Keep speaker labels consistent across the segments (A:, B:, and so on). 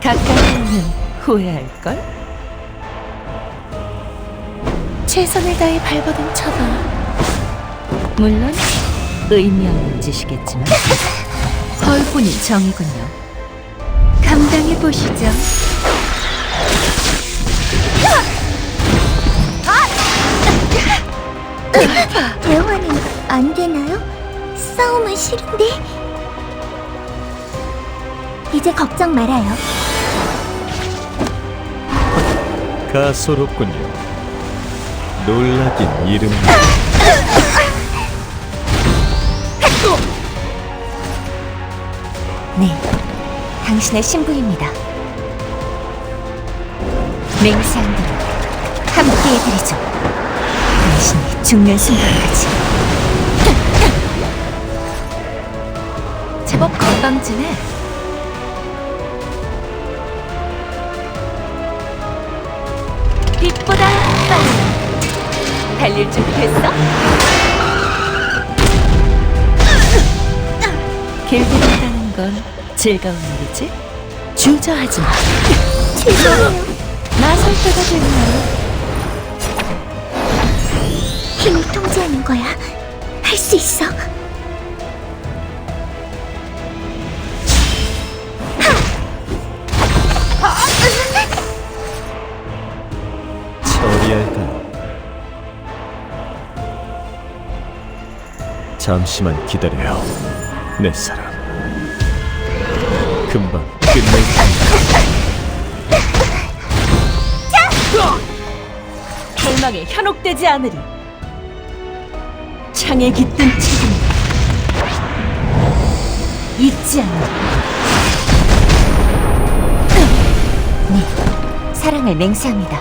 A: 가까이 오면 후회할걸? 최선을 다해 밟아둔 처벌. 물론 의미 없는 짓이겠지만 헐뿐이 정이군요. 감당해보시죠.
B: 대화는 안 되나요? 싸움은 싫은데. 이제 걱정 말아요.
C: 가소롭군요. 놀라긴 이름.
A: 네, 당신의 신부입니다. 맹세한 대로 함께 해드리죠. 당신이 죽는 순간까지. 제법 건방지네. 빛보다 빨리. 달릴 준비 됐어? 길들인다는 건 즐거운 일이지? 주저하지 마.
B: 죄송해요.
A: 나설 때가 됐나요?
B: 힘을 통제하는 거야. 할 수 있어.
C: 처리할까요? 잠시만 기다려요, 내 사랑. 금방 끝낼 테니까.
A: 절망에 현혹되지 않으리. 창에 깃든 책임 잊지 않으리. 네, 사랑을 맹세합니다.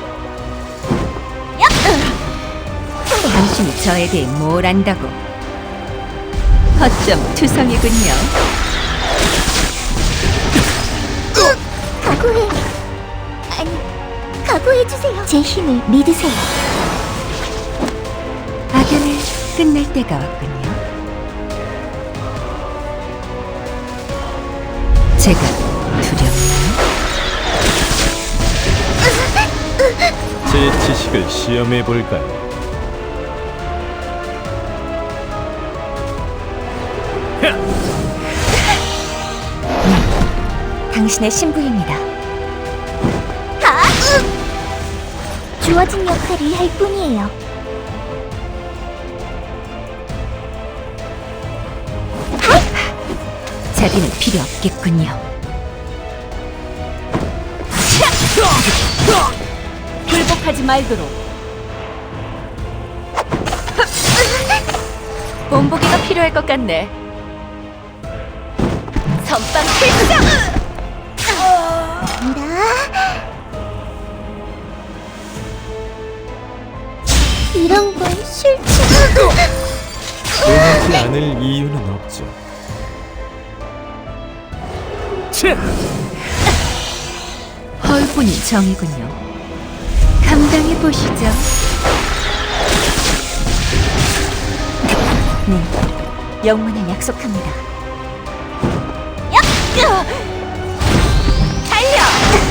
A: 당신이 저에 대해 뭘 안다고? 허점 투성이군요.
B: 각오해. 아니, 각오해주세요. 제 힘을 믿으세요.
A: 악연을 끝낼 때가 왔군요. 제가 두렵나요?
C: 제 지식을 시험해 볼까요?
A: 당신의 신부입니다.
B: 주어진 역할을 할 뿐이에요.
A: 자비는 필요 없겠군요. 굴복하지 말도록. 본보기가 필요할 것 같네. 선빵 필상!
B: 이런 건 싫지.
C: 원하지 않을 이유는 없죠.
A: 헐뿐이 정이군요. 감당해보시죠. 네, 영문을 약속합니다. 달려!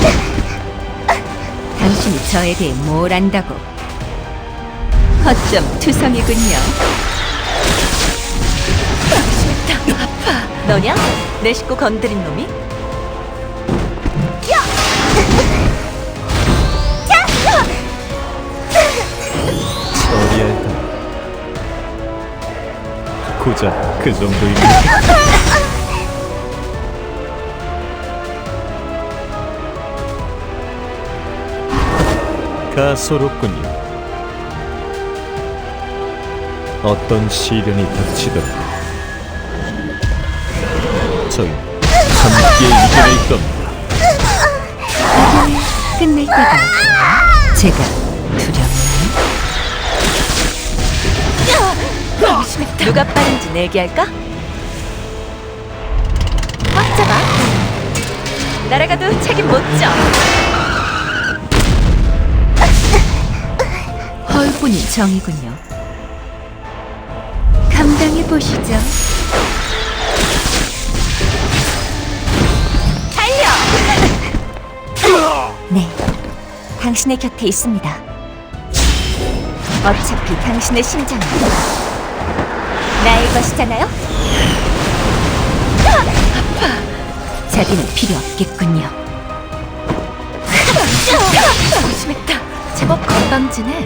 A: 당신이 저에 대해 뭘 안다고? 허점 투성이군요. 싫다, 아파. 너냐? 내 식구 건드린 놈이?
C: 처리할까요? 고작 그 정도입니다. 가소롭군요. 어떤 시련이 닥치더라도 저희 함께 이겨낼 겁니다.
A: 끝낼 때가 왔군요. 제가 두렵나요? 누가 빠른지 내기할까? 꽉 잡아. 날아가도 책임 못 져. 헐뿐이 정이군요. 감당해보시죠. 달려! 당신의 곁에 있습니다. 어차피 당신의 심장은 나의 것이잖아요? 아파! 자비는 필요 없겠군요. 조심했다. 제법 건방지네.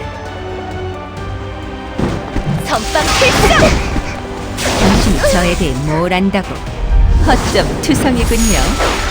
A: 선빵 필승! 당신이 저에 대해 뭘 안다고? 허점 투성이군요.